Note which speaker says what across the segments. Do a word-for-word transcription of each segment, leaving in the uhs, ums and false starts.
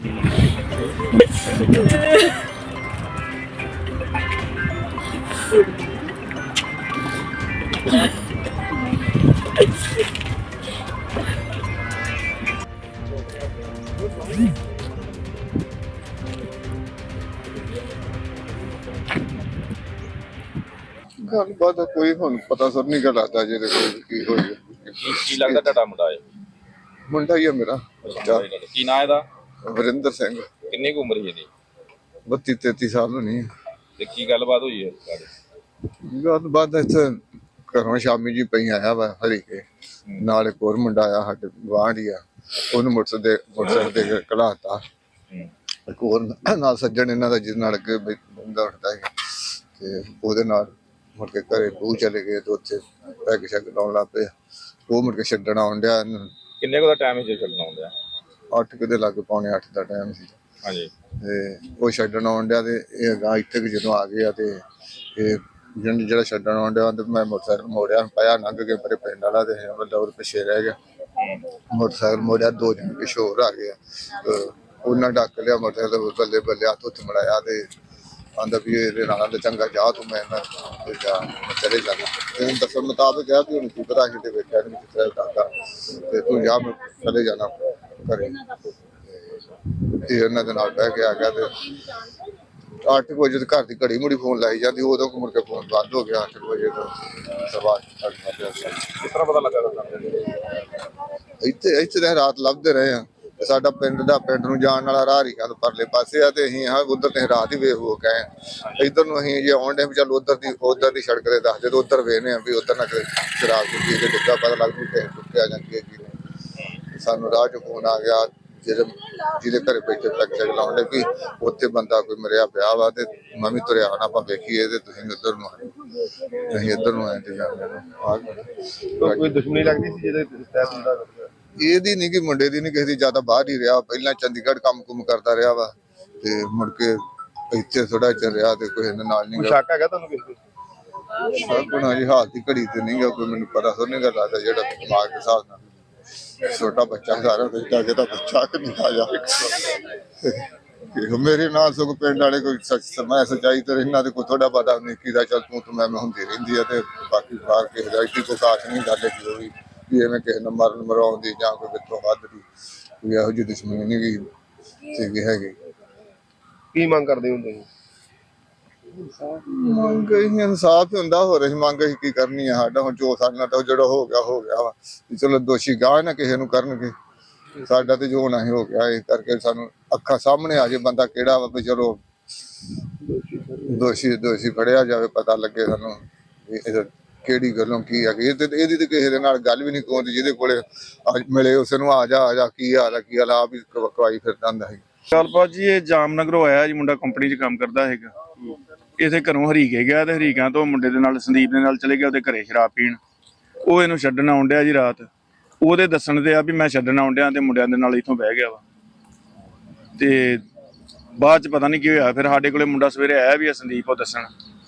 Speaker 1: ਗੱਲਬਾਤ ਕੋਈ ਹੁਣ ਪਤਾ ਸਰ ਨਹੀਂ ਗਾ ਲੱਗਦਾ ਜਿਹਦੇ ਕੋਲ ਕੀ ਹੋਈ
Speaker 2: ਕੀ ਕੀ ਲੱਗਦਾ ਤੁਹਾਡਾ ਮੁੰਡਾ ਹੈ?
Speaker 1: ਮੁੰਡਾ ਹੀ ਆ ਮੇਰਾ
Speaker 2: ਕੀ ਨਾਂ ਇਹਦਾ?
Speaker 1: ਵਰਿੰਦਰ ਸਿੰਘ।
Speaker 2: ਕਿੰਨੀ ਕੁ ਉਮਰ ਹੈ ਇਹਦੀ?
Speaker 1: ਬੱਤੀ ਤੇਤੀ ਸਾਲ ਹੋਣੀ।
Speaker 2: ਤੇ ਕੀ ਗੱਲਬਾਤ ਹੋਈ ਹੈ?
Speaker 1: ਗੱਲਬਾਤ ਇੱਥੇ ਘਰੋਂ ਸ਼ਾਮੀ ਜੀ ਪਈ ਆਇਆ ਵਾ ਹਰੀ ਕੇ ਨਾਲ ਇੱਕ ਹੋਰ ਮੁੰਡਾ ਆਇਆ ਸਾਡੇ ਗੁਆਂਢ ਹੀ ਆ, ਉਹਨੂੰ ਮੋਟਰਸਾਈਕਲ ਦੇ ਮੋਟਰਸਾਈਕਲ ਦੇ ਕੇ ਘਲਾਤਾ। ਇੱਕ ਹੋਰ ਨਾਲ ਸੱਜਣ ਇਹਨਾਂ ਦਾ ਜਿਹਦੇ ਨਾਲ ਅੱਗੇ ਬੰਦਾ ਉੱਠਦਾ ਹੈ ਤੇ ਉਹਦੇ ਨਾਲ ਮੁੜ ਕੇ ਘਰੇ ਬੂ ਚਲੇ ਗਏ ਤੇ ਉੱਥੇ ਪੈਗ ਸ਼ੈਗ ਲਾਉਣ ਲੱਗ ਪਏ। ਉਹ ਮੁੜ ਕੇ ਛੱਡਣ ਆਉਣ ਡਿਆ।
Speaker 2: ਕਿੰਨੇ ਕੁ ਦਾ ਟਾਈਮ ਸੀ ਛੱਡਣ ਆਉਣ ਡਿਆ?
Speaker 1: ਅੱਠ ਕੁ ਦੇ ਲਾਗੇ ਪੌਣੇ ਅੱਠ ਦਾ ਟਾਈਮ ਸੀ।
Speaker 2: ਹਾਂਜੀ।
Speaker 1: ਤੇ ਉਹ ਛੱਡਣ ਆਉਣ ਡਿਆ ਤੇ ਇਹ ਅਗਾਂਹ ਇੱਥੇ ਜਦੋਂ ਆ ਗਏ ਆ ਤੇ ਇਹ ਜਿਹਨੂੰ ਜਿਹੜਾ ਛੱਡਣ ਆਉਣ ਡਿਆ ਤੇ ਮੈਂ ਮੋਟਰਸਾਈਕਲ ਮੋੜਿਆ, ਪਾਇਆ ਲੰਘ ਕੇ ਮੇਰੇ ਪਿੰਡ ਵਾਲਾ ਤੇ ਬੰਦਾ ਉਹ ਪਿੱਛੇ ਰਹਿ ਗਿਆ। ਮੋਟਰਸਾਈਕਲ ਮੋੜਿਆ, ਦੋ ਜਣੇ ਪਿੱਛੇ ਹੋਰ ਆ ਗਏ। ਉਹਨਾਂ ਡੱਕ ਲਿਆ ਮੋਟਰਸਾਈਕਲ, ਬੱਲੇ ਬੱਲੇ ਹੱਥ ਉੱਥੇ ਮੜਾਇਆ ਤੇ ਆਂਦਾ ਵੀ ਇਹਦੇ ਨਾਲ ਆਂਦਾ ਚੰਗਾ ਜਾ ਤੂੰ, ਮੈਂ ਨਾ ਜਾ ਚਲੇ ਜਾਣਾ। ਤੇ ਦੱਸਣ ਮੁਤਾਬਕ ਕਿਹਾ ਵੀ ਹੁਣ ਕੀ ਪਤਾ ਸੀ ਤੇ ਵੇਖਿਆ ਨਹੀਂ ਕਿਸ ਤਰ੍ਹਾਂ ਡਾਕਾ ਤੇ ਤੂੰ ਜਾ ਮੈਂ ਚਲੇ ਜਾਣਾ ਘਰੇ। ਇਹ ਇਹਨਾਂ ਦੇ ਨਾਲ ਬਹਿ ਕੇ ਆ ਗਿਆ ਤੇ ਅੱਠ ਵਜੇ ਤੇ ਘਰ ਦੀ ਘੜੀ ਮੁੜੀ ਫੋਨ ਲਾਈ ਜਾਂਦੀ, ਉਦੋਂ ਮੁੜ ਕੇ ਫੋਨ ਬੰਦ ਹੋ ਗਿਆ। ਅੱਠ ਵਜੇ ਤੋਂ ਸਵਾ
Speaker 2: ਕਿਸ ਤਰ੍ਹਾਂ ਪਤਾ ਲੱਗਾ?
Speaker 1: ਇੱਥੇ ਇੱਥੇ ਤਾਂ ਰਾਤ ਲੱਭਦੇ ਰਹੇ ਆ। ਸਾਡਾ ਪਿੰਡ ਦਾ ਪਿੰਡ ਨੂੰ ਜਾਣ ਵਾਲਾ ਰਾਹ ਹੀ ਤੋਂ ਪਰਲੇ ਪਾਸੇ ਆ ਤੇ ਅਸੀਂ ਹਾਂ ਉਧਰ ਤੇ ਰਾਤ ਹੀ ਵੇਖ ਹੋ ਗਏ। ਇੱਧਰ ਨੂੰ ਅਸੀਂ ਜੇ ਆਉਣ ਡੇ ਵੀ ਚੱਲ ਉਧਰ ਦੀ ਉਧਰ ਦੀ ਸੜਕ ਤੇ ਦੱਸਦੇ ਤੇ ਉਧਰ ਵੇਖਦੇ ਆ ਵੀ ਉਧਰ ਨਾ ਕਿਤੇ ਸ਼ਰਾਬ ਪੀ ਕੇ ਡਿੱਗਾ, ਪਤਾ ਲੱਗ ਜੂ ਕਿ ਟੁੱਟਿਆ ਜਾਂਦੀ ਹੈ ਜੀ। ਸਾਨੂੰ ਰਾਹ ਚ ਫੋਨ ਆ ਗਿਆ ਜਿਹਦੇ ਜਿਹਦੇ ਘਰੇ ਬੈਠੇ ਪੈਗ ਸ਼ੈਗ ਲਾਉਣ ਡੇ ਵੀ ਉੱਥੇ ਬੰਦਾ ਕੋਈ ਮਰਿਆ ਪਿਆ ਵਾ ਤੇ ਮੈਂ ਵੀ ਤੁਰਿਆ ਆਉਣਾ, ਆਪਾਂ ਵੇਖੀਏ ਤੇ ਤੁਸੀਂ ਉੱਧਰ ਨੂੰ ਆਏ, ਅਸੀਂ ਇੱਧਰ ਨੂੰ ਆਏ ਤੇ ਜਾਂਦੇ।
Speaker 2: ਕੋਈ ਦੁਸ਼ਮਣੀ ਲੱਗਦੀ ਸੀ ਜਿਹਦੇ ਤਹਿਤ ਹੁੰਦਾ?
Speaker 1: ਇਹਦੀ ਨੀ ਕਿ ਮੁੰਡੇ ਦੀ ਨੀ, ਕਿਸੇ ਦੀ ਜ਼ਿਆਦਾ ਬਾਹਰ ਹੀ ਰਿਹਾ। ਪਹਿਲਾਂ ਚੰਡੀਗੜ੍ਹ ਕੰਮ ਕੁਮ ਕਰਦਾ ਰਿਹਾ ਵਾ ਤੇ ਮੁੜ ਕੇ ਇੱਥੇ ਥੋੜਾ ਚਿਰ ਰਿਹਾ ਤੇ ਕੋਈ ਇਹਦੇ ਨਾਲ ਨਹੀਂ।
Speaker 2: ਸ਼ੱਕ ਹੈਗਾ ਤੁਹਾਨੂੰ ਕਿਸੇ ਤੇ?
Speaker 1: ਸ਼ੱਕ ਹੋਣਾ ਜੀ ਹਾਲ ਦੀ ਘੜੀ ਤੇ ਨਹੀਂ ਗਾ ਕੋਈ, ਮੈਨੂੰ ਪਤਾ ਸੋ ਨਹੀਂ ਗਾ ਲੱਗਦਾ ਜਿਹੜਾ ਦਿਮਾਗ ਦੇ ਹਿਸਾਬ ਨਾਲ ਛੋਟਾ ਬੱਚਾ ਸਾਰਾ ਬੈਠਾ ਕਿ ਤਾਂ ਬੱਚਾ ਕਿ ਨਹੀਂ ਆ ਜਾ। ਮੇਰੇ ਨਾਲ ਸਗੋਂ ਪਿੰਡ ਵਾਲੇ ਕੋਈ ਸਮਾਂ ਸੱਚਾਈ ਤੇ ਇਹਨਾਂ ਦੇ ਕੋਈ ਥੋੜਾ ਬਹੁਤਾ ਨਿੱਕੀ ਦਾ ਚੱਲ ਤੂੰ ਤੇ ਮੈਂ ਹੁੰਦੀ ਰਹਿੰਦੀ ਆ ਤੇ ਬਾਕੀ ਬਾਹਰ ਕਿਸੇ ਦਾ ਇੱਡੀ ਕੋਈ ਖਾਸ ਨਹੀਂ ਗੱਲ ਹੈ ਵੀ ਵੀ ਐਵੇਂ ਕਿਸੇ ਨੂੰ ਮਰਨ ਮਰਾਉਣ ਦੀ ਜਾਂ ਕੋਈ ਵਿੱਚੋਂ ਵੱਧ ਦੀ ਵੀ ਇਹੋ ਜਿਹੀ ਦੁਸ਼ਮਣੀ ਨਹੀਂ ਗਈ ਸੀਗੀ ਹੈਗੀ।
Speaker 2: ਕੀ ਮੰਗ ਕਰਦੇ ਹੁੰਦੇ ਸੀ?
Speaker 1: ਮੰਗ ਅਸੀਂ ਇਨਸਾਫ ਹੁੰਦਾ, ਹੋਰ ਅਸੀਂ ਮੰਗ ਅਸੀਂ ਕੀ ਕਰਨੀ ਆ। ਸਾਡਾ ਹੁਣ ਜੋ ਸਾਡੇ ਨਾਲ ਜਿਹੜਾ ਹੋ ਗਿਆ ਹੋ ਗਿਆ ਵਾ, ਚਲੋ ਦੋਸ਼ੀ ਗਾਹ ਨਾ ਕਿਸੇ ਨੂੰ ਕਰਨਗੇ, ਸਾਡਾ ਤੇ ਜੋ ਹੋਣਾ ਹੀ ਹੋ ਗਿਆ। ਇਸ ਕਰਕੇ ਸਾਨੂੰ ਅੱਖਾਂ ਸਾਹਮਣੇ ਆ ਜੇ ਬੰਦਾ ਕਿਹੜਾ ਵਾ ਵੀ ਚਲੋ ਦੋਸ਼ੀ ਦੋਸ਼ੀ ਫੜਿਆ ਜਾਵੇ, ਪਤਾ ਲੱਗੇ ਸਾਨੂੰ ਕਿਹੜੀ ਗੱਲੋਂ ਕੀ ਹੈਗੀ। ਇਹ ਤੇ ਇਹਦੀ ਤੇ ਕਿਸੇ ਦੇ ਨਾਲ ਗੱਲ ਵੀ ਨਹੀਂ ਕੋਂਦੀ ਜਿਹਦੇ ਕੋਲੇ ਮਿਲੇ ਉਸ ਨੂੰ ਆ ਜਾ ਆ ਜਾ ਕੀ ਹਾਲ ਆ ਕੀ ਹਾਲ ਆ ਵੀ ਕਵਾਈ ਫਿਰਦਾ ਹੁੰਦਾ ਸੀ।
Speaker 3: ਗੱਲਬਾਤ ਜੀ ਇਹ ਜਾਮਨਗਰੋਂ ਆਇਆ ਜੀ, ਮੁੰਡਾ ਕੰਪਨੀ 'ਚ ਕੰਮ ਕਰਦਾ ਹੈਗਾ। ਇਥੇ ਘਰੋਂ ਹਰੀਕੇ ਗਿਆ ਤੇ ਹਰੀਕਾਂ ਤੋਂ ਮੁੰਡੇ ਦੇ ਨਾਲ ਸੰਦੀਪ ਦੇ ਨਾਲ ਚਲੇ ਗਿਆ ਉਹਦੇ ਘਰੇ ਸ਼ਰਾਬ ਪੀਣ। ਉਹ ਇਹਨੂੰ ਛੱਡਣ ਆਉਣ ਡਿਆ ਜੀ ਰਾਤ, ਉਹਦੇ ਦੱਸਣ ਤੇ ਆ ਵੀ ਮੈਂ ਛੱਡਣ ਆਉਣ ਡਿਆ ਤੇ ਮੁੰਡਿਆਂ ਦੇ ਨਾਲ ਇੱਥੋਂ ਬਹਿ ਗਿਆ ਵਾ। ਤੇ ਬਾਅਦ 'ਚ ਪਤਾ ਨਹੀਂ ਕੀ ਹੋਇਆ, ਫਿਰ ਸਾਡੇ ਕੋਲੇ ਮੁੰਡਾ ਸਵੇਰੇ ਆਇਆ ਵੀ ਆ ਸੰਦੀਪ ਉਹ ਦੱਸਣ।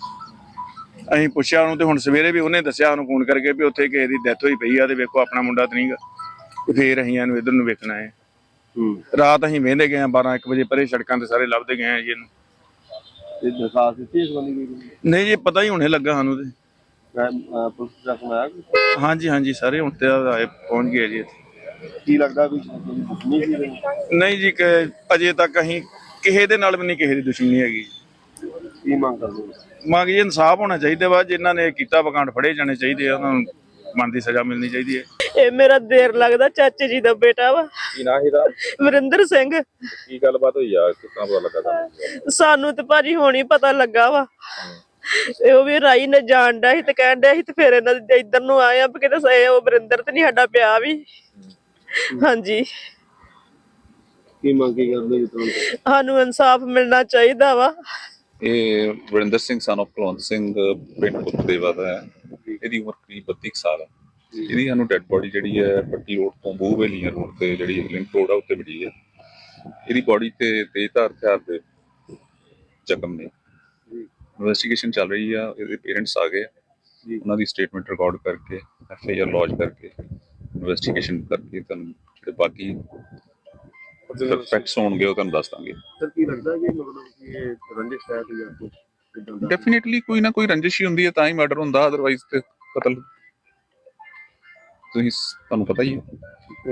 Speaker 3: ਅਸੀਂ ਪੁੱਛਿਆ ਉਹਨੂੰ ਤੇ ਹੁਣ ਸਵੇਰੇ ਵੀ ਉਹਨੇ ਦੱਸਿਆ ਉਹਨੂੰ ਫੋਨ ਕਰਕੇ ਵੀ ਉੱਥੇ ਕਿਸੇ ਦੀ ਡੈਥ ਹੋਈ ਪਈ ਆ ਤੇ ਵੇਖੋ ਆਪਣਾ ਮੁੰਡਾ ਤਾਂ ਨਹੀਂਗਾ। ਤੇ ਫਿਰ ਅਸੀਂ ਇਹਨੂੰ ਇੱਧਰ ਨੂੰ ਵੇਖਣਾ ਹੈ। ਰਾਤ ਅਸੀਂ ਵਹਿੰਦੇ ਗਏ ਆ ਬਾਰਾਂ ਇੱਕ ਵਜੇ ਪਰੇ ਸੜਕਾਂ ਤੇ ਸਾਰੇ ਲੱਭਦੇ ਗਏ ਆ ਜੀ ਇਹਨੂੰ।
Speaker 2: ਦਰਖਾਸਤ ਦਿੱਤੀ ਇਸ ਬੰਦੇ ਦੀ?
Speaker 3: ਨਹੀਂ ਜੀ ਪਤਾ ਹੀ ਹੁਣੇ ਲੱਗਾ ਸਾਨੂੰ ਤੇ।
Speaker 2: ਪੁਲਿਸ ਪ੍ਰਸ਼ਾਸਨ ਆਇਆ?
Speaker 3: ਹਾਂਜੀ ਹਾਂਜੀ ਸਾਰੇ ਹੁਣ ਤੇ ਆਏ ਪਹੁੰਚ ਗਏ ਜੀ ਇੱਥੇ।
Speaker 2: ਕੀ ਲੱਗਦਾ ਵੀ ਦੁਸ਼ਮਣੀ ਸੀ?
Speaker 3: ਨਹੀਂ ਜੀ ਕਿ ਅਜੇ ਤੱਕ ਅਸੀਂ ਕਿਸੇ ਦੇ ਨਾਲ ਵੀ ਨਹੀਂ ਕਿਸੇ ਦੀ ਦੁਸ਼ਮਣੀ ਹੈਗੀ।
Speaker 2: ਕੀ ਮੰਗ ਕਰਦੇ?
Speaker 3: ਮੰਗ ਜੀ ਇਨਸਾਫ ਹੋਣਾ ਚਾਹੀਦਾ ਵਾ, ਜਿਨ੍ਹਾਂ ਨੇ ਕੀਤਾ ਵਕਾਂਡ ਫੜੇ ਜਾਣੇ ਚਾਹੀਦੇ ਆ, ਉਹਨਾਂ ਨੂੰ ਮਨ ਦੀ ਸਜ਼ਾ ਮਿਲਣੀ ਚਾਹੀਦੀ ਹੈ।
Speaker 4: ਇਹ ਮੇਰਾ ਦੇਰ ਲੱਗਦਾ ਚਾਚੇ ਜੀ ਦਾ ਬੇਟਾ ਵਾ।
Speaker 2: ਕੀ ਨਾਂ ਇਹਦਾ?
Speaker 4: ਵਰਿੰਦਰ ਸਿੰਘ।
Speaker 2: ਕੀ ਗੱਲਬਾਤ ਹੋਈ ਆ, ਕਿਸ ਤਰ੍ਹਾਂ ਪਤਾ ਲੱਗਾ ਤੁਹਾਨੂੰ?
Speaker 4: ਸਾਨੂੰ ਤੇ ਭਾਜੀ ਹੁਣ ਹੀ ਪਤਾ ਲੱਗਾ ਵਾ। ਉਹ ਵੀ ਰਾਈ ਨੇ ਜਾਣ ਡਿਆ ਸੀ ਤੇ ਕਹਿਣ ਡਿਆ ਸੀ ਤੇ ਫਿਰ ਇਹਨਾਂ ਦੇ ਇੱਧਰ ਨੂੰ ਆਏ ਆ ਵੀ ਕਿਤੇ ਉਹ ਵਰਿੰਦਰ ਤੇ ਨਹੀਂ ਸਾਡਾ ਪਿਆ ਵੀ। ਹਾਂਜੀ
Speaker 2: ਕੀ ਮੰਗ ਕੀ ਕਰਦੇ ਜੀ?
Speaker 4: ਸਾਨੂੰ ਇਨਸਾਫ ਮਿਲਣਾ ਚਾਹੀਦਾ ਵਾ।
Speaker 5: ਇਹ ਵਰਿੰਦਰ ਸਿੰਘ ਸਨ ਆਫ ਕੁਲਵੰਤ ਸਿੰਘ ਪਿੰਡ ਕੁੱਤਦੇਵਾ ਦਾ ਹੈ। ਇਹਦੀ ਉਮਰ ਕਰੀਬ ਬੱਤੀ ਸਾਲ ਹੈ। ਇਹਦੀ ਸਾਨੂੰ ਡੈਡ ਬੋਡੀ ਜਿਹੜੀ ਹੈ ਪੱਟੀ ਰੋਡ ਤੋਂ ਬੂਹ ਵੇਲੀਆਂ ਰੋਡ ਤੇ ਜਿਹੜੀ ਲਿੰਕ ਰੋਡ ਆ ਉੱਤੇ ਮਿਲੀ ਹੈ। ਇਹਦੀ ਬੋਡੀ ਤੇ ਤੇਜ਼ਧਾਰ ਹਥਿਆਰ ਦੇ ਜ਼ਖਮ ਨੇ। ਇਨਵੈਸਟੀਗੇਸ਼ਨ ਚੱਲ ਰਹੀ ਆ। ਇਹਦੇ ਪੇਰੈਂਟਸ ਆ ਗਏ, ਉਹਨਾਂ ਦੀ ਸਟੇਟਮੈਂਟ ਰਿਕਾਰਡ ਕਰਕੇ ਐਫ ਆਈ ਆਰ ਲੌਜ ਕਰਕੇ ਇਨਵੈਸਟੀਗੇਸ਼ਨ ਕਰਕੇ ਤੁਹਾਨੂੰ ਜਿਹੜੇ ਬਾਕੀ ਫੈਕਟਸ ਹੋਣਗੇ ਉਹ ਤੁਹਾਨੂੰ ਦੱਸ ਦਾਂਗੇ।
Speaker 2: ਸਰ ਕੀ ਲੱਗਦਾ ਕਿ ਮਤਲਬ ਕਿ ਇਹ ਰੰਜਿਸ਼ ਹੈ ਜਾਂ ਕੁਝ ਇਦਾਂ ਦਾ?
Speaker 5: ਡੈਫੀਨਿਟਲੀ ਕੋਈ ਨਾ ਕੋਈ ਰੰਜਿਸ਼ ਹੀ ਹੁੰਦੀ ਹੈ ਤਾਂ ਹੀ ਮਰਡਰ ਹੁੰਦਾ, ਅਦਰਵਾਈਜ਼ ਤੇ ਕਤਲ ਤੁਸੀਂ ਤੁਹਾਨੂੰ ਪਤਾ ਹੀ ਹੈ।